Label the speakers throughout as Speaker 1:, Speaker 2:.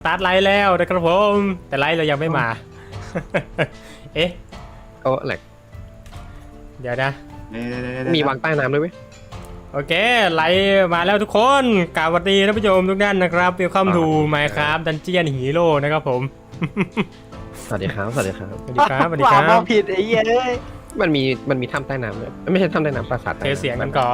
Speaker 1: สตาร์ทไลฟ์แล้วนะครับผมแต่ไลฟ์เรายังไม่มา เอ๊ะ
Speaker 2: ก็แหลก
Speaker 1: เดี๋ยวนะ
Speaker 2: มีวางใต้น้ำด้วยไหม
Speaker 1: โอเคไลฟ์มาแล้วทุกคนกราบสวัสดีท่านผู้ชมทุกท่านนะครับWelcome to Minecraft Dungeon Hero นะครับผม
Speaker 2: สวัสดีครับสวัสดีครับ
Speaker 1: สวัสดีครับสวัสดีครั
Speaker 3: ว่า
Speaker 1: บ
Speaker 3: ผิดไอ้เหี้ยเอ้ย
Speaker 2: มันมีถ้ำใต้น้ำด้วยไม่ใช่ถ้ำใต้น้ำปราสาท
Speaker 1: เทเสียงกันก่อน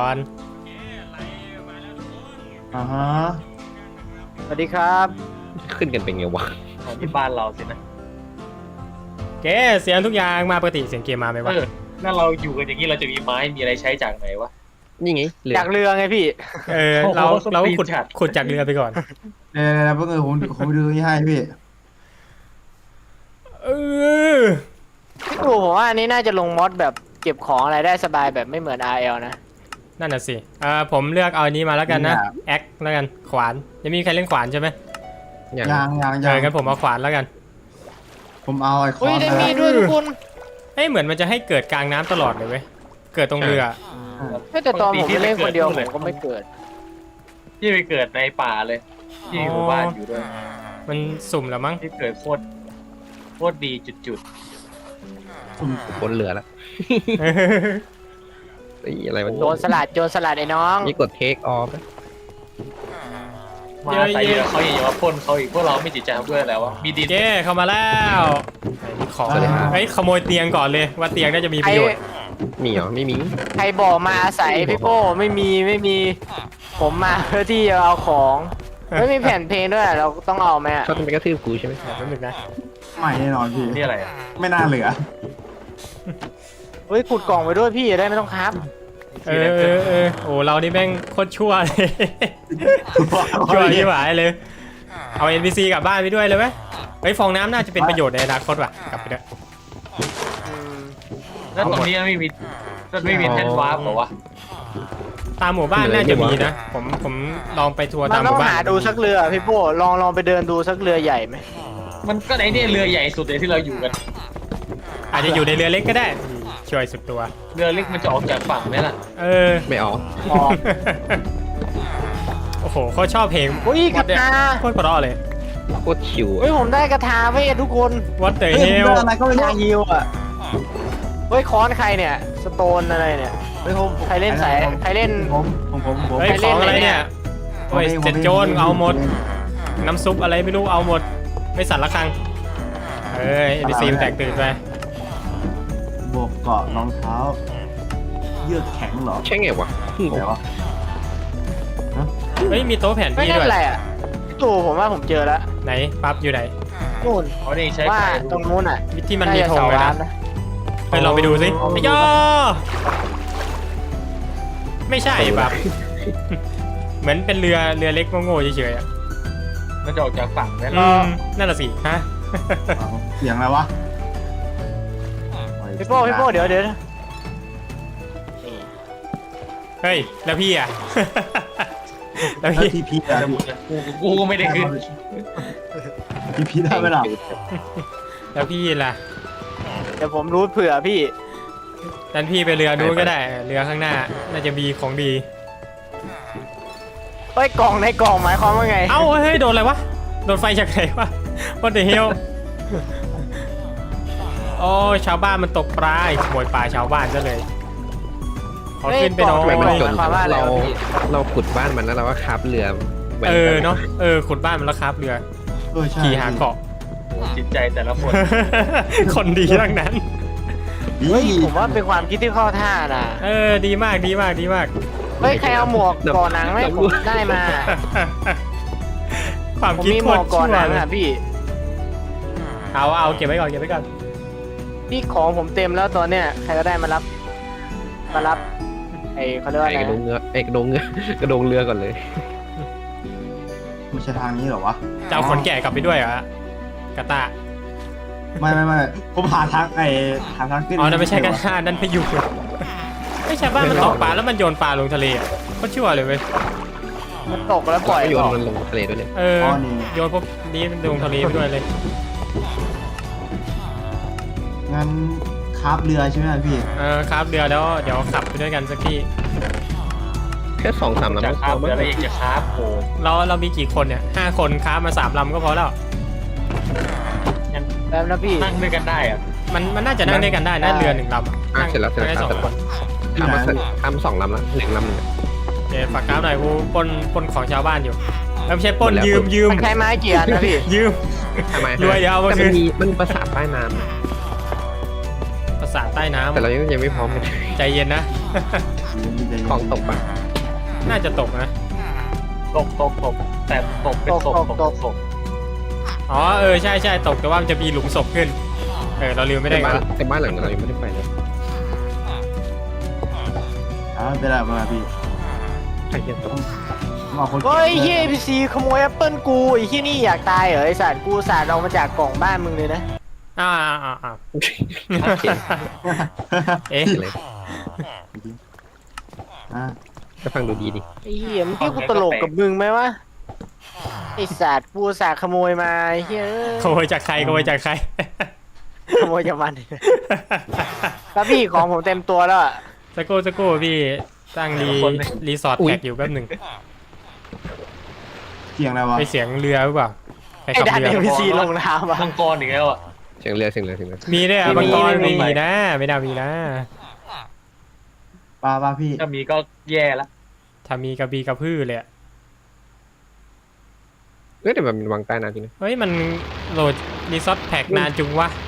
Speaker 4: อ่าฮะ
Speaker 3: สวัสดีครับ
Speaker 2: ขึ้นกันเป็นไงวะ
Speaker 4: ของที่บ้านเราสินะ
Speaker 1: โอเคเสียงทุกอย่างมาปกติเสียงเกมมาไหมวะ
Speaker 4: ถ้าเราอยู่กันอย่างนี้เราจะมีไม้มีอะไรใช้จากไหนวะ
Speaker 2: นี่ไงเรือ
Speaker 3: จากเรือไงพี่
Speaker 1: เรา
Speaker 4: โอ้โห
Speaker 1: เรา
Speaker 4: สปีด
Speaker 1: ขุด
Speaker 4: จัด
Speaker 1: ขุดจากเรือไปก่อน
Speaker 5: เดี๋ยวเพิ่งผมดูนี่ให้พี่
Speaker 1: เออ
Speaker 3: พี่ตู่ผมว่าอันนี้น่าจะลงมอดแบบเก็บของอะไรได้สบายแบบไม่เหมือน RL นะ
Speaker 1: นั่นน่ะสิผมเลือกเอาอันนี้มาแล้วกันนะแอคแล้วกันขวานยังมีใครเล่นขวานใช่ไหม
Speaker 2: อย่าง
Speaker 1: งั้นผมเอาขวานแล้วกัน
Speaker 5: ผมเอาไอ้คอ
Speaker 3: อุ้ย
Speaker 5: น
Speaker 3: ได้
Speaker 5: นะ
Speaker 3: มีด้วยทุกคน
Speaker 1: เฮ้ยเหมือนมันจะให้เกิดกลางน้ำตลอดเลยเว้ยเกิดตรงเรือ
Speaker 3: แต่ตอนผมไปเล่นคนเดียวผมก็ไม่เกิด
Speaker 4: ที่ไปเกิดในป่าเลยที่หมู่บ้านอยู่ด้วย
Speaker 1: มันสุ่มแล้วมั้ง
Speaker 4: ที่เกิดโคตรดีจุด
Speaker 2: บนเรือละไอ้อะไรมัน
Speaker 3: โจรสลัดไอ้น้อง
Speaker 2: นี่กดเทคออฟ
Speaker 4: ๆมาใส่เรือเขาอย่ามาพ่นเขาอีกพวกเราไม่จิตใจเขาด้วยแล้ววะมีดิน
Speaker 1: เจ้เข้ามาแล้วของเฮ้ยขโมยเตียงก่อนเลยว่าเตียงน่าจะมีป
Speaker 3: ใคร
Speaker 1: ระโยชน์
Speaker 2: มีเหรอไม่มี
Speaker 3: ใครบอกมาอาศัยพี่โป้ไม่มี ผมมาเพื่อที่จะเอาของไม่มีแผ่นเพลงด้วยเราต้องเอาไหมอะ
Speaker 2: เขาต้องไปกระทืบกูใช่ไหม
Speaker 1: แป๊บนึงนะ
Speaker 5: ไม่แน่นอนพี่
Speaker 4: นี่อะไรอะ
Speaker 5: ไม่น่าเหลือ
Speaker 3: เฮ้ยขุดกล่องไปด้วยพี่จะได้ไม่ต้องครับ
Speaker 1: โอ้เรานี่แม่งโคตรชั่วเลยชั่วที่หวายเลยเอา NPC กลับบ้านไปด้วยเลยไหมเฮ้ยฟองน้ำน่าจะเป็นประโยชน์ในอนาคตว่ะกลับไปด้วย
Speaker 4: แล้วตรงนี้ไม่มีแท่นวาร์ปเหรอวะ
Speaker 1: ตามหมู่บ้านน่าจะมีนะผมลองไปทัวร์
Speaker 3: มั
Speaker 1: ตาม
Speaker 3: น
Speaker 1: ห
Speaker 3: ต้อ
Speaker 1: มู่
Speaker 3: ง
Speaker 1: บ้าน
Speaker 3: หาดูสักเรือพี่โป้ลองไปเดินดูสักเรือใหญ่ไหม
Speaker 4: มันก็ไอ้เนี่ยเรือใหญ่สุดเลยที่เราอยู่กัน
Speaker 1: อาจจะอยู่ในเรือเล็กก็ได้ช่วยสุดตัว
Speaker 4: เรือเล็กมันจะออกจากฝั่งไหมล่ะ
Speaker 2: ไม่ออก
Speaker 3: ออก
Speaker 1: โอ้โหเขาชอบเพลง
Speaker 3: อุ้ยกระทา
Speaker 1: โคตรเพราะเลย
Speaker 2: โคตรชิว
Speaker 3: เฮ้ยผมได้กระทาเว้ยทุกคน
Speaker 1: What the
Speaker 5: เฮ้ยผม
Speaker 1: hell
Speaker 5: ได้อะไรก็ไม่รู้
Speaker 3: ยาฮิวอ่ะเฮ้ยค้อนใครเนี่ยสโตนอะไรเนี่ย
Speaker 5: เฮ้ยผม
Speaker 3: ใครเล่นสายใครเล่น
Speaker 5: ผม
Speaker 1: เฮ้ย
Speaker 3: ไป
Speaker 1: ข
Speaker 3: เล่
Speaker 1: อน งอะไร
Speaker 3: ไหนเนี่
Speaker 1: เนี่ย
Speaker 3: ย
Speaker 1: โอ้ยเจ็ดโจรเอาหมด น้ำซุปอะไรไม่รู้เอาหมด ไม่สั่นละครังNPC มันแตกตื่นไป
Speaker 5: บวกเกาะรองเท้า เยือกแข็งเหรอ
Speaker 2: ใช่ไงวะ
Speaker 5: อะไรวะ
Speaker 1: เฮ้ยมีโต๊ะแผน
Speaker 3: ไม่
Speaker 1: ที่
Speaker 3: นั่
Speaker 1: ด้
Speaker 3: น
Speaker 1: วย
Speaker 3: แหละพี่ตู่ผมว่าผมเจอแล้ว
Speaker 1: ไหนปั๊บอยู่ไหน
Speaker 3: นู่น
Speaker 4: เขาได้ใช้
Speaker 3: ว่า
Speaker 4: ไฟ
Speaker 3: ตรงนู้นอ่ะ
Speaker 1: ที่มันมีธงเลย
Speaker 3: า
Speaker 1: นะ
Speaker 3: จะสาวาร์ป
Speaker 1: ไปลองไปดูสิไอ้ยอไม่ใช่ปั๊บ เหมือนเป็นเรือเล็กโง่ๆเฉยๆอ่ะ
Speaker 4: มันจะออกจากฝั่งไหม
Speaker 1: อื
Speaker 4: ล่ะ
Speaker 1: มนั่นแหละสิฮะ
Speaker 5: เสียงอะไรวะ
Speaker 3: พี่โป้เดี๋ยว
Speaker 1: เฮ้ยแล้วพี่อ่ะ แล้ว
Speaker 5: แล้ว
Speaker 1: พี่
Speaker 5: ทีพี
Speaker 4: กูก็ไม่ได้ขึ้น
Speaker 5: ทีพีได้ไหมล่ะ
Speaker 1: แล้วพี่ล่ะ
Speaker 3: เดี๋ยวผมรู้เผื่อพี่
Speaker 1: ดันพี่ไปเรือนู้นก็ได้ เรือข้างหน้า น่าจะมีของดี
Speaker 3: เฮ้ยกล่องในกล่องหมายความว่าไง
Speaker 1: เอ้าเฮ้ยโดนอะไรวะ โดนไฟจากไหนวะ What the hell โอ้ชาวบ้านมันตกปลาขโมยปลาชาวบ้านซะเลยขอขึ้นไปน้อ
Speaker 2: ทำไมมัน
Speaker 1: ย
Speaker 2: จนเราขุดบ้านมันแล้วเราก็คาบเรือแหวน
Speaker 1: เนาะขุดบ้านมันแล้วครับเรือ
Speaker 5: ใช่
Speaker 1: ขี่หาเกาะ
Speaker 4: โอ้จิตใจแต่ละคน
Speaker 1: คนดีทั้งนั้น
Speaker 3: เฮ้ยผมว่าเป็นความคิดที่เข้าท่านะ
Speaker 1: ดีมาก
Speaker 3: เฮ้ยใครเอาหมวกก่อหนังไหมผมได้มา
Speaker 1: ความ
Speaker 3: ผม
Speaker 1: คิด
Speaker 3: มีห
Speaker 1: โค
Speaker 3: มว
Speaker 1: ต
Speaker 3: ก
Speaker 1: ร
Speaker 3: ก่อ
Speaker 1: ชั่ว
Speaker 3: หนัง
Speaker 1: เลย
Speaker 3: อ่ะพี่
Speaker 1: เอาเก็บไว้ก่อน
Speaker 3: พี่ของผมเต็มแล้วตอนเนี้ยใครก็ได้มารับไอ้เขาเรียกว่า
Speaker 2: ไอ้
Speaker 3: อะไร
Speaker 2: กระดงเงือกกระดงเรือก่อนเลย
Speaker 5: ไม่ใช่ทางนี้เหรอวะ
Speaker 1: จะเอาขนแกะกลับไปด้วยเหรอกาตา
Speaker 5: ไม่ผมหาทางหาทางขึ้น
Speaker 1: อ๋อนั่นไม่ใช่กาตานั่นพายุไม่ใช่บ้านมันตกปลาแล้วมันโยนปลาลงทะเลอ่ะก็ชั่วเลยเว้ย
Speaker 3: มันตกแล้วปล่อย
Speaker 2: โยน
Speaker 3: ออก
Speaker 2: มันลงทะเลด้วยเนี่ย
Speaker 1: โยนพวกนี้ลงทะเลไปด้วยเลย
Speaker 5: งั้นคาบเรือใช่ไหมพี่
Speaker 1: ครับเรือแล้วเดี๋ยวขับไปด้วยกันสักที
Speaker 2: เคค่2-3 ลำ
Speaker 4: จะ
Speaker 2: ก็
Speaker 4: คราบ
Speaker 2: พ
Speaker 4: เรือ
Speaker 2: อ
Speaker 4: อะไรอีกจะคราบโอ้
Speaker 1: เรามีกี่คนเนี่ย5 คนค้ามา3 ลำก็พอแล้ว
Speaker 3: แล้วนะพี่
Speaker 4: นั่งด้วยกันได้อะ
Speaker 1: มันน่าจะนั่งด้วยกันได้นะเรือ1 ลำ
Speaker 2: เสร็จแล้ว
Speaker 1: ได้
Speaker 2: ค
Speaker 1: ส
Speaker 2: รั
Speaker 1: อบ งคน
Speaker 2: ทำ2 ลำแล้ว1 ลำหนึ่ง
Speaker 1: โอเคฝากกราฟหน่อยกูปล้นของชาวบ้านอยู่ไม่ใช่ปล้น
Speaker 2: หมดแล้ว
Speaker 1: ยืม
Speaker 3: มันใช้ไม้กี่อันนะพี่
Speaker 1: ยืม
Speaker 2: ทำไม
Speaker 1: รวยเดี๋ยวเอามา
Speaker 2: แต่
Speaker 1: คื
Speaker 2: มัน นมีมันประสาทใต้น้
Speaker 1: ประสาทใต้น้ำ
Speaker 2: ำแต่เรายังไม่พร้อมเลย
Speaker 1: ใจเย็นนะ
Speaker 2: ของตกปะ
Speaker 1: น่าจะตกนะ
Speaker 4: ตกแต่ตกเป็นศพตกศพ
Speaker 1: อ๋อใช่ตกแต่ว่ามันจะมีหลุมศพขึ้นเราลืมไม่ได้
Speaker 2: แต่บ้านหลังนั้นเรายังไม่ได้ไปเลย
Speaker 5: เป็นไรมาพี่
Speaker 2: ใครเห็นตก
Speaker 5: มาคน
Speaker 3: เฮ้ยเฮียพีซีขโมยแอปเปิลกูไอ้ที่นี่อยากตายเหรอไอ้สัตว์กูสาดเอามาจากกล่องบ้านมึงเลยนะ
Speaker 1: อ่าเอ๊ะ
Speaker 2: เลย จะฟังดูดีดิ
Speaker 3: ไอ้เฮียมึงคิดกูตลกกับมึงไหมวะไอ้สัตว์กูสาดขโมยมาไอ้เฮีย
Speaker 1: ขโมยจากใคร
Speaker 3: ขโมยจากมันแล้วพี่ของผมเต็มตัวแล้วอะ
Speaker 1: สกูพี่ตั้งรีสอร์ทแท็กอยู่แป๊บหนึ่ง
Speaker 5: เสียงอะไรวะ
Speaker 1: ไปเสียงเรือหรือเปล่าไป
Speaker 3: ไอ้
Speaker 1: ขับ
Speaker 3: ดัน
Speaker 1: เรือ
Speaker 3: เอ็มพีซีลงน้ำอะ
Speaker 4: มังกรอีกแล้วอ่ะ
Speaker 2: เสียงเรือ
Speaker 1: มีด้วย
Speaker 3: ไม่
Speaker 1: มังกร
Speaker 3: ไม่มี
Speaker 1: มีนะไม่น่ามีนะ
Speaker 5: ป้าพี่
Speaker 4: ถ้ามีก็แย่ละ
Speaker 1: ถ้ามีกระบีกระพือเลยอะ
Speaker 2: แต่มันวางใต้น้ำจริงนะ
Speaker 1: เฮ้ยมันโหลดรีสอร์ทแท็กนานจุงวะ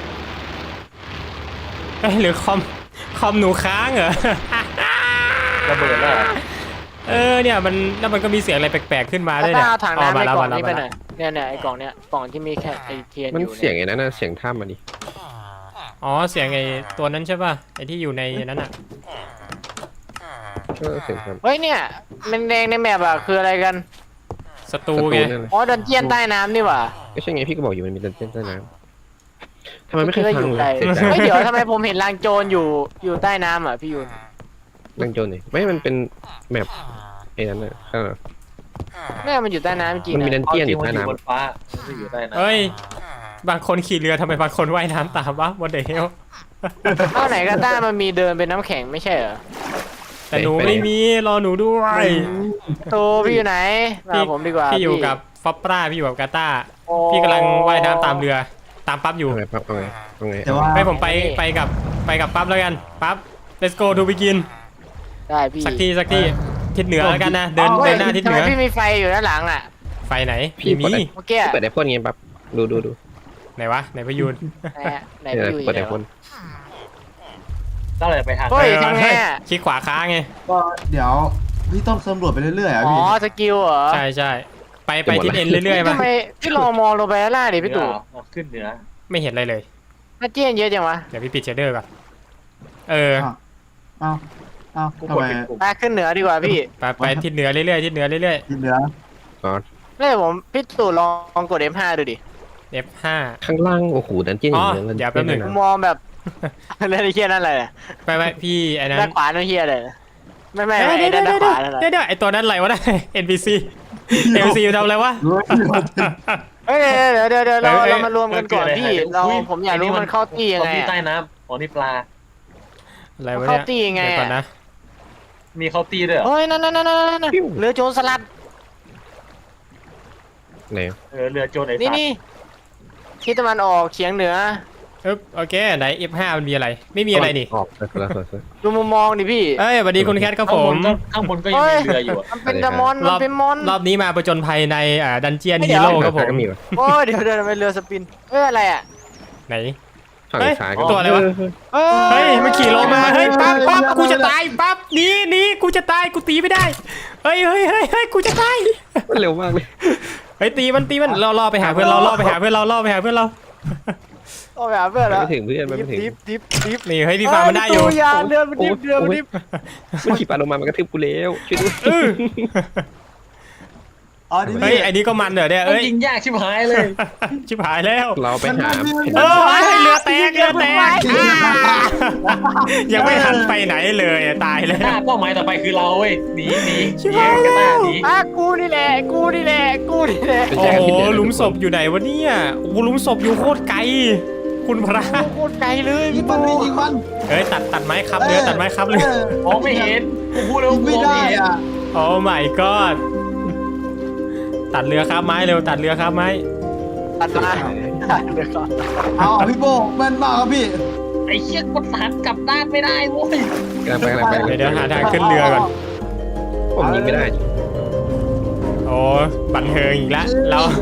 Speaker 1: หรือคอมหนูค้างเหรอ
Speaker 4: ระเบิดแล้ว
Speaker 1: เนี่ยมันแล้วมันก็มีเสียงอะไรแปลกๆขึ้นมาด้วย
Speaker 3: ถ้า
Speaker 1: เนี่ย
Speaker 3: เอาถังน้ำในกล่องนี้ไปห
Speaker 1: มา
Speaker 3: น่อยเนี่ยไอ้กล่องเนี้ยกล่องที่มีแค่ไอ้เทียน
Speaker 2: มัน
Speaker 3: อยู่
Speaker 2: เสียงไอ้นั้นน่ะเสียงถ้ำมาดิ
Speaker 1: อ๋อเสียงไอ้ตัวนั้นใช่ป่ะไอ้ที่อยู่ในนั้นอ่ะ
Speaker 2: เสียงถ้
Speaker 3: เฮ้ยเนี่ยมันแดงในแมปอะคืออะไรกัน
Speaker 1: ศัต
Speaker 2: ำ
Speaker 1: รู
Speaker 2: ประ
Speaker 1: ไง
Speaker 2: นั่นแหละ
Speaker 3: อ๋อดันเจียนใต้น้ำนี่หว่า
Speaker 2: ก็ใช่ไงพี่ก็บอกอยู่มันมีดันเจี้ยนใต้น้ำทำไมไม่เคย
Speaker 3: คิดว่า
Speaker 2: ฟั
Speaker 3: อง ยู่
Speaker 2: เล
Speaker 3: ใต้
Speaker 2: ยเสียใจ
Speaker 3: เฮ้ยเดี๋ยวทำไมผมเห็นรางโจรอยู่ใต้น้ำอ่ะพี่ยูน
Speaker 2: ดังโจนเลยไม่มันเป็นแมปไอ้นั้นน่ะข้างหลัง
Speaker 3: แม่มันอยู่ใต้น้ำจริง
Speaker 2: มันมีดั
Speaker 3: นะ
Speaker 2: นเจี้ยนอยู่
Speaker 4: มั
Speaker 2: ใต้
Speaker 4: อยู่
Speaker 2: น้ำ
Speaker 4: บนฟ้ามันไม่อยู่ใต้น้ำ
Speaker 1: เฮ้ยบางคนขี่เรือทำไมบางคนว่ายน้ำตามวะวันเดล
Speaker 3: เท่าไหนก็ต้ามันมีเดินเป็นน้ำแข็งไม่ใช่เหรอ
Speaker 1: แต่หนูไม่มีรอหนูด้วย
Speaker 3: โตพี่อยู่ไหนมาผมดีกว่า
Speaker 1: พี่อยู่กับฟอปปราพี่อยู่กับกาตา
Speaker 3: โอ้
Speaker 1: พี่กำลังว่ายน้ำตามเรือตามปั๊บอยู่
Speaker 2: เอาไงปั๊บเอาไง
Speaker 5: แต่ว่า
Speaker 1: ให้ผมไปกับปั๊บแล้วกันปั๊บ let's go to begin
Speaker 3: ได้พี่
Speaker 1: สักทีทิศเหนือแล้วกันนะเดิน
Speaker 3: ฮ้ย
Speaker 1: หน้าทิศเหนือ
Speaker 3: ทำไมพี่มีไฟอยู่ด้านหลังอ่ะ
Speaker 1: ไฟไหน
Speaker 2: พี่
Speaker 1: มี
Speaker 3: เมื่อกี้อะ
Speaker 2: เปิดไอพ่นไงปั๊บดู
Speaker 1: ไหนวะไหนพยูน
Speaker 3: ไหนอะไหน
Speaker 2: เนี่ย
Speaker 3: พี่อยู่
Speaker 2: เปิดไอ
Speaker 3: ไหน
Speaker 2: พ่น
Speaker 3: วะ
Speaker 4: ก็เลยไปทาง
Speaker 3: เฮ้ยทำไงอะ
Speaker 1: คลิกขวาค้างไง
Speaker 5: ก็เดี๋ยวพี่ต้องสำรวจไปเรื่อยๆอ่ะ
Speaker 3: อ๋อ
Speaker 5: พี่
Speaker 3: สกิลเหรอ
Speaker 1: ใช่ไปทิศเอ็นเรื่อยๆมา
Speaker 3: ทำไมพี่ลองมองลงไปข้างล่างดิพี่ตู่
Speaker 4: ขึ้นเหนือ
Speaker 1: ไม่เห็นอะไรเลย
Speaker 3: น่าเจี้ยนเยอะจังวะ
Speaker 1: เดี๋ยวพี่ปิดเชดเดอร์ก่อนเออ
Speaker 5: เอ้า
Speaker 4: กู
Speaker 5: ทำ
Speaker 4: กด
Speaker 5: ไม
Speaker 4: เป็นกลุ่ม
Speaker 3: ไปขึ้นเหนือดีกว่าพี่
Speaker 1: ไปทิศเหนือเรื่อยๆทิศเหนือเรื่อย
Speaker 5: ที่เหลือ
Speaker 3: นี่ผมพี่ตู่ลองกด F5 ดูดิ
Speaker 1: ๆ F5
Speaker 2: ข้างล่างโอ้โหดันเจี้ยนอย่าง
Speaker 1: อ๋อเดี๋ยวแป๊บหนึ่ง
Speaker 3: ผมมองแบบ นั่นไอ้เฮียนั่นอะไรเนี่ย
Speaker 1: ไปพี่ไอ้นั้น
Speaker 3: ด้านขวานั่นเฮียอะไรเนี่ยไม่ไอ้
Speaker 1: เดี๋ยว
Speaker 3: ด้านขวานั่นอะไร
Speaker 1: เดี๋ยวไอ้ตัวนั้นอะไรวะนะ NPC NPC ทำอะไรวะ
Speaker 3: เฮ้ยเดี๋ยวเรา
Speaker 1: เอ้ย
Speaker 3: เรามารวมกันก่อนพี่ผมอยากรู้มันเข้าตียังไง
Speaker 4: ที่
Speaker 3: อะ
Speaker 4: ใต้น้ำอ๋อนี่ปลา
Speaker 1: อะไรวะ
Speaker 3: เข้า
Speaker 1: เนี่ย
Speaker 3: ตียังไง
Speaker 1: เดี๋ยวก่อน
Speaker 3: อะ
Speaker 1: นะ
Speaker 4: มีเข้าตีด้วยเหรอ
Speaker 3: เฮ้ยนั่นเรือโจรสลัด
Speaker 2: ไหน
Speaker 4: เรือโจรไอ้
Speaker 3: นี่
Speaker 4: สัตว์
Speaker 3: นี่ทิศตะวันออกเฉียงเหนือ
Speaker 1: โอเคไหน F5 มันมีอะไรไม่มีอะไรนี่
Speaker 2: ออกคนละส่วน
Speaker 3: ดูมุมมองดิพี่
Speaker 1: เอ้ยสวัสดีคุณแคทครับผม
Speaker 4: ข้างบนก็ยังมีเรืออยู่อะ
Speaker 3: มันเป็นดมอนมันเป็นมอน
Speaker 1: รอบนี้มาประจนภัยในดันเจียน
Speaker 3: เดี๋
Speaker 1: ฮี
Speaker 3: ยว
Speaker 1: โร่ครับผม
Speaker 2: ก็มีวะ
Speaker 3: โอ้ยเดี๋ยวเป็นเรือสปินเฮ้ยอะไรอ่ะ
Speaker 1: ไหน
Speaker 2: ฝั่งซ้ายก็
Speaker 1: ตัวอะไรวะ เฮ้ยมันขี่ลงมาเฮ้ยปั๊บกูจะตายปั๊บหนีกูจะตายกูตีไม่ได้เฮ้ยกูจะตาย
Speaker 2: มันเร็วมากเลย
Speaker 1: เฮ้ยตีมันล่อไปหาเพื่อนเราล่อไปหาเพื่อนเราล่อไปหาเพื่อนเรา
Speaker 3: โอ้ยเพื่อนแล้ว
Speaker 2: ไม่ถึงเพื่อนไม่ถึง
Speaker 3: ดิฟ
Speaker 1: นี่เฮ้ยพี่ฟาร์มมันได้อยู่
Speaker 3: ยาเรือมันดิฟเรือมันดิฟ
Speaker 2: มันขี่ปลาลงมามันกระทืบกูแล้วช่วยด้วย
Speaker 5: อ๋อดิ
Speaker 1: เฮ้ยไอ้นี่ก็มันเหรอเนี่ย
Speaker 4: มัน
Speaker 1: เอ้ย
Speaker 4: ยิงยากชิบหายเลย
Speaker 1: ชิบหายแล้ว
Speaker 2: เราไปหา
Speaker 1: เรือแตกยังไม่ทันไปไหนเลยตายแล้ว
Speaker 4: หน้าเป้าหมายต่อไปคือเราเว้ยหนี
Speaker 1: ชิบ
Speaker 4: หนี
Speaker 1: หาย
Speaker 4: กันหน้า
Speaker 1: แล้ว
Speaker 4: หนี
Speaker 3: กูนี่แหละ
Speaker 1: โอ้โหหลุมศพอยู่ไหนวะเนี่ยโอ้โหหลุมศพอยู่โคตรไกลคุณพระ
Speaker 3: โคตรไกลเลย
Speaker 5: ยิงมันไม่ยิงมัน
Speaker 1: เอ้ยตัดไม้ครับเรือตัดไม้ครับเรือ
Speaker 4: มองไม่เห็นกูพูดแล้ว
Speaker 5: ยิง
Speaker 4: กู
Speaker 5: ไม่
Speaker 4: มอง
Speaker 5: ได้
Speaker 4: ไม่เห็น
Speaker 5: อ่ะ
Speaker 1: โอ้ my god ตัดเรือข้ามไม้เร็วตัดเรือข้ามไม้
Speaker 3: ตัดมาเดี๋ยวก่อน
Speaker 5: เอาพี่โบแม่นมากครับพี่
Speaker 4: ไอ้เชี่ยกดหันกลับด้านไม่ได้โว้ย
Speaker 2: กำลังไป
Speaker 1: เดี๋ยวหาทางขึ้นเรือก่อน
Speaker 2: ผมยิงไม่ได้
Speaker 1: โอ้บันเทิงอีกแล้ว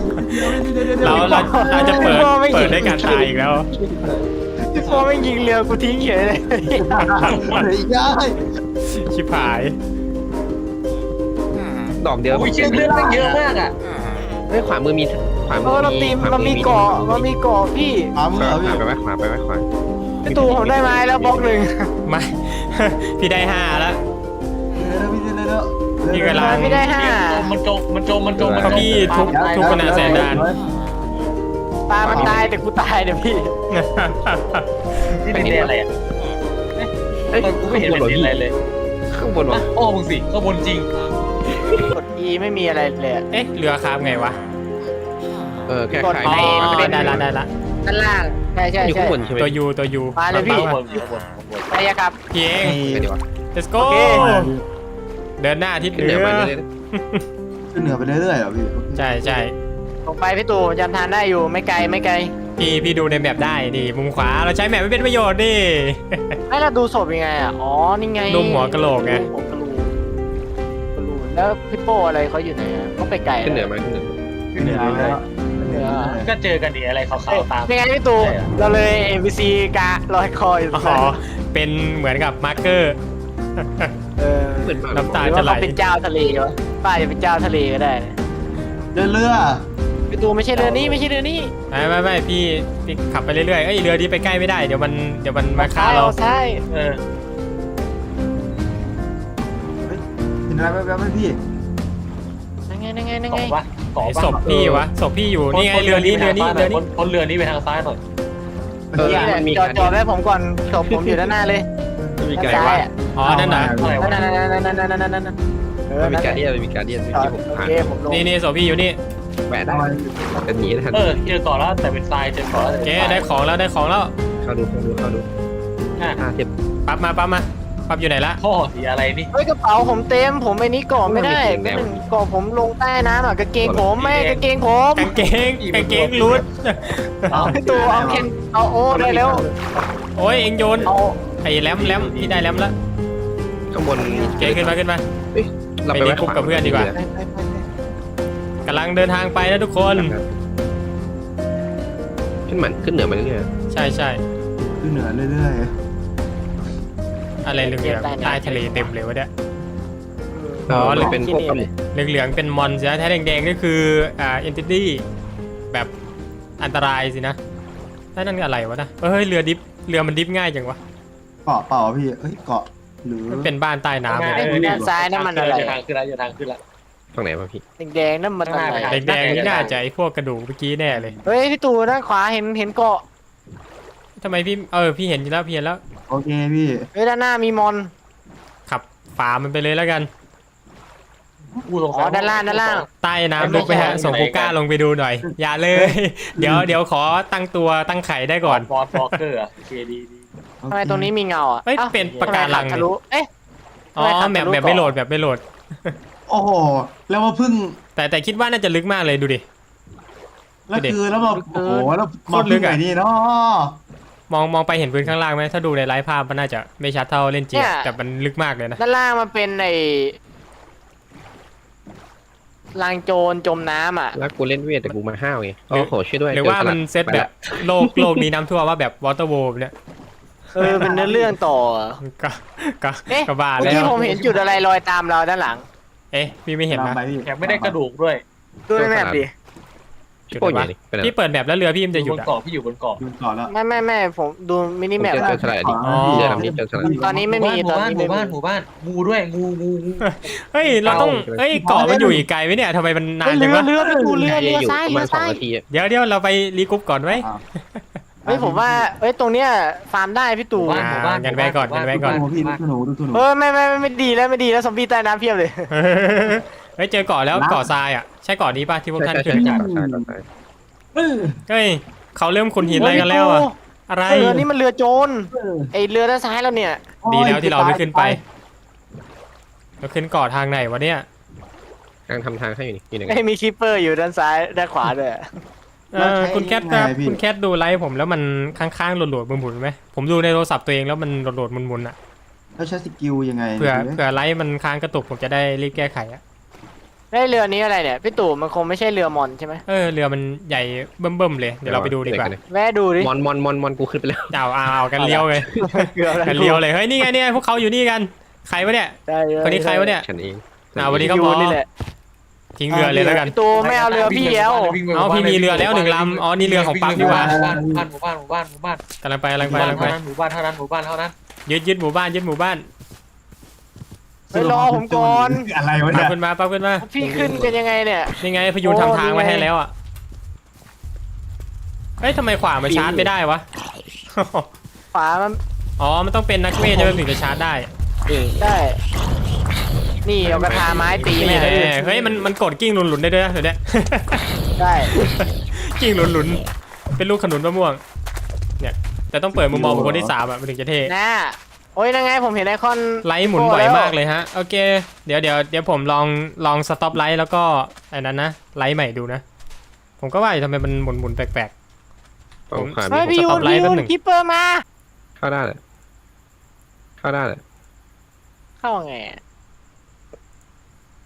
Speaker 1: เราจะเปิดได้การตายอีกแล้ว
Speaker 3: พี่โป้ไม่ยิงเรือกูทิ้งเฉยเลย
Speaker 5: เฮ้ยได้
Speaker 1: ชิบหาย
Speaker 2: ดอกเดียว
Speaker 4: โอ้ยเชี่ยเลือดแม่งเยอะมากอ่ะ
Speaker 2: เฮ้ยขวามือมีขวามื
Speaker 3: เออเราตีมมันมีเกาะพี่
Speaker 5: ขวามือ
Speaker 2: ข
Speaker 5: เหรอพี่
Speaker 2: วาไปไว้ขวาไปไว้ขวา
Speaker 3: พี่ตู่ผมได้ไม้แล้วบล็อกหนึ่ง
Speaker 1: ไม่ พี่ได้5แล้ว พี่กำลัง
Speaker 3: ไม่ได้ห้า
Speaker 4: มันจม
Speaker 1: เพราะพี่ทุกขนาดแสนดาน
Speaker 3: ปลามันตายแต่กูตายเดี๋ยวพี่
Speaker 4: ที่นี่อะไรอ่ะ
Speaker 2: เอ้ย
Speaker 4: กูไม่เห็นเป็นอะไรเลย
Speaker 2: ข้างบนวะ
Speaker 4: โอ้มึงสิข้างบนจริง
Speaker 3: กด E ไม่มีอะไรเลย
Speaker 1: เอ๊ะเรือคาบไงวะ
Speaker 2: แค่ขาย
Speaker 1: อ๋อ
Speaker 2: ไม่
Speaker 1: ได้ละ
Speaker 3: ด้านล่างใช่
Speaker 2: อยู่ข้างบนใช่ไหม
Speaker 1: ตัวยูตัวยู
Speaker 3: มาเลยพี่
Speaker 4: ข้างบนข้างบน
Speaker 3: ไปอะครับ
Speaker 1: พี่เอง
Speaker 2: ไปดีวะ
Speaker 1: let's go
Speaker 3: โอเค
Speaker 1: เดินหน้าทิศเห
Speaker 2: ขึ้น
Speaker 1: นื
Speaker 2: เหนือ
Speaker 1: อ
Speaker 2: มาเรื่อย
Speaker 5: ขึ้นเหนือไปเรื่อยๆเหรอพี่
Speaker 1: ใช่ใช่
Speaker 3: ลงไปพี่ตู่จำทานได้อยู่ไม่ไกล
Speaker 1: พี่ดูในแมปได้ดิมุมขวาเราใช้แมปไม่เป็นประโยชน์ดิ
Speaker 3: ไม่เราดูศพยังไงอ่ะอ๋อนี่ไง
Speaker 1: รูปหัวกะโหลกไง
Speaker 3: รูปหัวกะโหลกแล้วพี่โป้อะไรเขาอยู่ไหนอะเขาไปไกล
Speaker 2: ๆขึ้นเหนือมาขึ้นเหนือ
Speaker 5: ขึ้นเหนือแล้ว
Speaker 4: ก็เจอกันดีอะไรขาวๆตาม
Speaker 3: ยังไงพี่ตู่เราเลย MVC กะลอยคออยู่ตรง
Speaker 1: อ๋อ
Speaker 3: นั้น
Speaker 1: เป็นเหมือนกับมาร์เกอร์
Speaker 3: เออ
Speaker 2: เหมือน
Speaker 1: น้ำตา
Speaker 3: หรือ
Speaker 1: จะ
Speaker 3: ว่า
Speaker 1: ไหล
Speaker 3: เขาเป็นเจ้าทะเลวะป้าจะเป็นเจ้าทะเลก็ได้นะ
Speaker 5: เรือ
Speaker 3: พี่ตู่ไม่ใช่เรือนี้ไม่ใช่เรือนี้
Speaker 1: ไม่พี่ขับไปเรื่อยๆเอ้ยเรือนี้ไปใกล้ไม่ได้เดี๋ยวมันมาฆ่าเรา
Speaker 3: ใช่
Speaker 4: เออ
Speaker 5: เห็นอะไรแป๊บๆไหมพี่
Speaker 3: นั่งไง
Speaker 4: เกาะปะเกาะ
Speaker 1: ไอ้
Speaker 4: ปะ
Speaker 1: ศพพี่วะศพพี่อยู่นี่ไงเรือนี้
Speaker 4: พ้นเรือนี้ไปทางซ้ายหน่อย
Speaker 3: นี่แหละจอดไว้ผมก่อนศพผมอยู่ด้านหน้าเลย
Speaker 2: มันมี
Speaker 3: ด้าน
Speaker 2: การ
Speaker 3: ซ้าย
Speaker 2: ว่า
Speaker 3: อ่ะ
Speaker 1: อ๋อนั่นน่ะ
Speaker 4: อะไรวะ
Speaker 3: นั่นเออ
Speaker 2: มันมี
Speaker 3: นั่น
Speaker 2: การเดียนมันมีการเดียน
Speaker 3: จอด
Speaker 2: ที่ผม
Speaker 3: โอ
Speaker 2: ผ่าน
Speaker 3: เคผมลง
Speaker 1: นี่ศพพี่อยู่นี่
Speaker 2: แวะได้เป็นหนีทัน
Speaker 4: เออเจอเกาะแล้วแต่เป็นทรายเจอเกาะแล้ว
Speaker 1: เจ๊ได้ของแล้ว
Speaker 2: เข้าดูเทียบ
Speaker 1: ปั๊บอยู่ไหนละ
Speaker 4: พ่อสีอะไรนี่
Speaker 3: เฮ้ยกระเป๋าผมเต็มผมไอ้นี้ก่อไม่ได้ก็หนึ่งก่อผมลงใต้น้ำอ่ะกางเกงผมไม่กางเกงผม
Speaker 1: กางเกงรูด
Speaker 3: พี่ตู่เอาเคนเอาโอ้ได้แล้ว
Speaker 1: โอ้ยเอ็งโยน
Speaker 3: เอา
Speaker 1: ไอ้แรมพี่ได้แรมแล้ว
Speaker 2: ข้างบน
Speaker 1: เจ๊ขึ้นมา
Speaker 2: เรา
Speaker 1: ไป
Speaker 2: ไป
Speaker 1: รี
Speaker 2: ไว้
Speaker 1: กรุ๊ปกับเพื่อนดีกว่า กำลังเดินทางไปนะทุกคน
Speaker 2: ขึ้นเหนือมาเรื่อย
Speaker 1: ใช่
Speaker 5: ขึ้นเหนือเรื่อย
Speaker 1: อะไรเหลืองๆใต้ทะเลเต็มเลยวะเนี่ย
Speaker 2: ๆ
Speaker 1: อ๋อ
Speaker 2: เลยเป็นพวกปลาหมึก
Speaker 1: เหลืองๆเป็นมอนสินะถ้าแดงๆก็คือเอนติตี้แบบอันตรายสินะถ้านั่นอะไรวะนะเฮ้ยเรือมันดิฟง่ายจังวะ
Speaker 5: ๆเกาะเปล่าพี่เอ้ยเกาะหรือ
Speaker 1: มันเป็นบ้านใต้น้ำเลย
Speaker 3: ด้านซ้ายนั่นมันอะไร
Speaker 4: จะทางขึ้นแล้วจะทางขึ้นแล้ว
Speaker 2: ตรงไหนวะพี่
Speaker 3: แดงๆนั่นมันอะไร
Speaker 1: แดงๆนี่น่าจะไอ้พวกกระดูกเมื่อกี้แน่เลย
Speaker 3: เฮ้ยพี่ตู่ด้านขวาเห็นเกาะ
Speaker 1: ทำไมพี่เห็นอยู่แล้วพี่เห็นแล้ว
Speaker 5: โอเคพี่
Speaker 3: เฮ้ยด้านหน้ามีมอน
Speaker 1: ขับฝ่ามันไปเลยแล้วกัน
Speaker 3: อ๋อด้านล่าง
Speaker 1: ใต้น้ำลึกไปฮะส่งกูก้าลงไปดูหน่อย อย่าเลย เดี๋ยวขอตั้งตัวตั้งไข่ได้ก่อน
Speaker 4: บอสบล็อกเกอร์โอเคดี
Speaker 3: ทำไมตรงนี้มีเงาอ่ะ
Speaker 1: เอ้ยเป็นปะการัง
Speaker 3: ทะลุเอ๊ะ
Speaker 1: อ๋อแบบไม่โหลดแบบไม่โหลด
Speaker 5: โอ้โหแล้วมาพึ่ง
Speaker 1: แต่คิดว่าน่าจะลึกมากเลยดูดิ
Speaker 5: แล้วคือแล้วมาโอ้โหแล้ว
Speaker 1: โค
Speaker 5: มา
Speaker 1: ตรลึ
Speaker 5: พึ่
Speaker 1: ก
Speaker 5: ง
Speaker 1: อะ
Speaker 5: ไหนนี่เนาะ
Speaker 1: มองไปเห็นพื้นข้างล่างไหมถ้าดูในไลฟ์ภาพมันน่าจะไม่ชัดเท่าเล่นจริงแต่มันลึกมากเลยนะ
Speaker 3: ด้านล่างมันเป็นไอ้ลางโจรจมน้ำอ่ะ
Speaker 2: แล้วกูเล่นเวทแต่กูมาห้าวไงโอ้โหช่วยด้วย
Speaker 1: หรือว่ามันเซตแบบโลกนี้น้ำท่วมว่าแบบวอเตอร์โวเนี่ย
Speaker 3: เป็นเนื้อเรื่องต่อ
Speaker 1: ก็
Speaker 3: เอ๊ะ
Speaker 1: ก็บ้า
Speaker 3: เมื่อ
Speaker 1: แล้
Speaker 3: กี้
Speaker 1: ว
Speaker 3: ผมเห็นจุดอะไรลอยตามเราด้านหลัง
Speaker 1: เอ๊ะพี่ไม่เห็นนะ
Speaker 5: ตามไปพี่
Speaker 4: แถมไม่ได้กระดูกด้วย
Speaker 3: ดูในแมพดิ
Speaker 1: จุด
Speaker 2: โอ้ย
Speaker 1: ไหนวะ
Speaker 2: นี่เป็นอะไร
Speaker 1: พี่เปิดแบบแล้วเรือพี่มันจะ
Speaker 4: อ
Speaker 1: หยุ
Speaker 4: ยู่
Speaker 1: ด
Speaker 4: บน
Speaker 1: อ่ะ
Speaker 4: เกาะพี่อยู่บนเกาะ
Speaker 5: ยืนก่อนแล้ว
Speaker 3: ไม่ผมดูมินิแมป
Speaker 2: เจอสลัดดิ
Speaker 1: อ๋อ
Speaker 2: เจอลำนี้เจอสลัด
Speaker 3: ตอนนี้ไม่มี
Speaker 4: ห
Speaker 3: ต
Speaker 4: มู่
Speaker 3: อน
Speaker 4: บ้าน
Speaker 3: นี้
Speaker 4: ห
Speaker 3: ไม่
Speaker 4: มู่
Speaker 3: มี
Speaker 4: บ้านหมู่บ้านงูด้วยงู
Speaker 1: เฮ้ยเราต้องเฮ้ยเกาะมันอยู่อีกไกลไหมเนี่ยทำไมมันนานจังวะ
Speaker 3: เรือดูเรือ
Speaker 2: อยู่
Speaker 3: ซ้าย
Speaker 2: ประ
Speaker 3: เรื
Speaker 2: มา
Speaker 3: อ
Speaker 2: ณ2
Speaker 3: ซ้าย
Speaker 2: นาที
Speaker 1: เดี๋ยวเราไปรีกรุ๊ปก่อนไหม
Speaker 3: เฮ้ยผมว่าเอ้ยตรงเนี้ยฟาร์มได้พี่ตู่
Speaker 1: งั้นไว้ก่อน
Speaker 5: ดูตัวหนูดูตัวหนู
Speaker 3: ไม่ดีแล้วซอมบี้ใต้น้ำเพียบเลย
Speaker 1: เฮ้ยเจอเกาะแล้วเกาะทรายอ่ะใช่เกาะนี้ป่ะที่พวกท่าน
Speaker 2: ใช่
Speaker 1: ขึ้น
Speaker 2: ใช่
Speaker 1: เฮ้ยเขาเริ่มขุนหินอะไรกันแล้วอ่ะอะไร
Speaker 3: เรือนี่มันเรือโจรไอเรือด้านซ้ายแล้วเนี่ย
Speaker 1: ดีแล้วที่เราไม่ขึ้นไปเราขึ้นเกาะทางไหนวะเนี่ย
Speaker 2: กำลังทำทางให้อยู่นี่อยู่ไหนกัน
Speaker 3: ไม่มีคิปเปอร์อยู่ด้านซ้ายด้านขวาด้วย
Speaker 1: คุณแคทครับคุณแคทดูไลฟ์ผมแล้วมันข้างๆโหลดๆหมุนๆไหมผมดูในโทรศัพท์ตัวเองแล้วมันโหลดๆหมุนๆอ่ะ
Speaker 5: แล้วใช้สกิลยังไง
Speaker 1: เผื่อ
Speaker 5: ดูดิ
Speaker 1: เผื่อไลฟ์มันค้างกระตุกผมจะได้รีบแก้ไขอ่ะ
Speaker 3: ได้เรือนี้อะไรเนี่ยพี่ตู่มันคงไม่ใช่เรือมอนใช่ไหม
Speaker 1: เรือมันใหญ่เบิ่มๆเลยเดี๋ยวเราไปดูดีกว่า
Speaker 3: แวะดูดิ
Speaker 2: มอนกูขึ้นไปแล้ว
Speaker 1: เอากันเลี้ยวเลย
Speaker 3: เรืออะไร
Speaker 1: กันเลี้ยวเลยเฮ้ยนี่ไงเนี่ยพวกเขาอยู่นี่กันใครวะเนี่ย
Speaker 3: ได้เรือ
Speaker 1: คนนี้ใครวะเนี่ย
Speaker 2: ฉันเอง
Speaker 1: วันนี้ก็
Speaker 3: อยู่
Speaker 1: พอ
Speaker 3: นี่แหละ
Speaker 1: ทิ้งเรือเลยแล้วกัน
Speaker 3: พี่ตู่ไม่เอาเรือพี่แล้ว
Speaker 1: อ๋อพี่มีเรือแล้ว1 ลำอ๋อนี่เรือของปั๊มดีกว่า
Speaker 4: หมู่บ้าน
Speaker 1: กำลังไป
Speaker 4: หมู่บ้านเท่านั้น
Speaker 1: ยึดหมู่บ้าน
Speaker 3: ไปรอผมก่อน
Speaker 5: อะไรวะ
Speaker 1: ปั๊
Speaker 5: เนี่
Speaker 1: บ
Speaker 5: ย
Speaker 1: ขึ้นมาปั๊บขึ้นมา
Speaker 3: พี่ขึ้นกันยังไงเนี่ย
Speaker 1: นี่ไงพยูนทำทางไว้ให้แล้วอ่ะเฮ้ยทำไมขวามาชาร์จไม่ได้วะ
Speaker 3: ฝามัน
Speaker 1: อ๋อมันต้องเป็นนักเวทจะถึงจะชาร์จได้
Speaker 3: ได้ นี่เอากระทาไม้ตี
Speaker 1: นี่
Speaker 3: แม่
Speaker 1: แน่เฮ้ยมันกดกิ้งหลุนๆได้ด้วยนะเดี๋ยวนี้
Speaker 3: ได้
Speaker 1: กิ้งหลุนๆเป็นลูกขนุนมะม่วงเนี่ยแต่ต้องเปิดมุมมองของคนที่3อ่ะมันถึงจะเท่
Speaker 3: น่าโอ้ยนั่งไงผมเห็นไอคอน
Speaker 1: ไลท์หมุนไหวมากเลยฮะโอเคเดี๋ยวผมลองสต็อปไลท์แล้วก็ไอ้นั้นนะไลท์ใหม่ดูนะผมก็ว่าอยู่ทำไมมันหมุนแปลก
Speaker 2: ฝั่งขวา
Speaker 3: เฮ้ย
Speaker 2: มี
Speaker 3: พี่ยู
Speaker 1: สต็
Speaker 3: น
Speaker 1: อปไลท์
Speaker 3: พี่
Speaker 1: แป๊
Speaker 3: ยู
Speaker 1: บ
Speaker 3: น
Speaker 1: หนึ่ง
Speaker 3: คิปเปอร์มา
Speaker 2: เข้าได้เลย
Speaker 3: เข้าไงอะ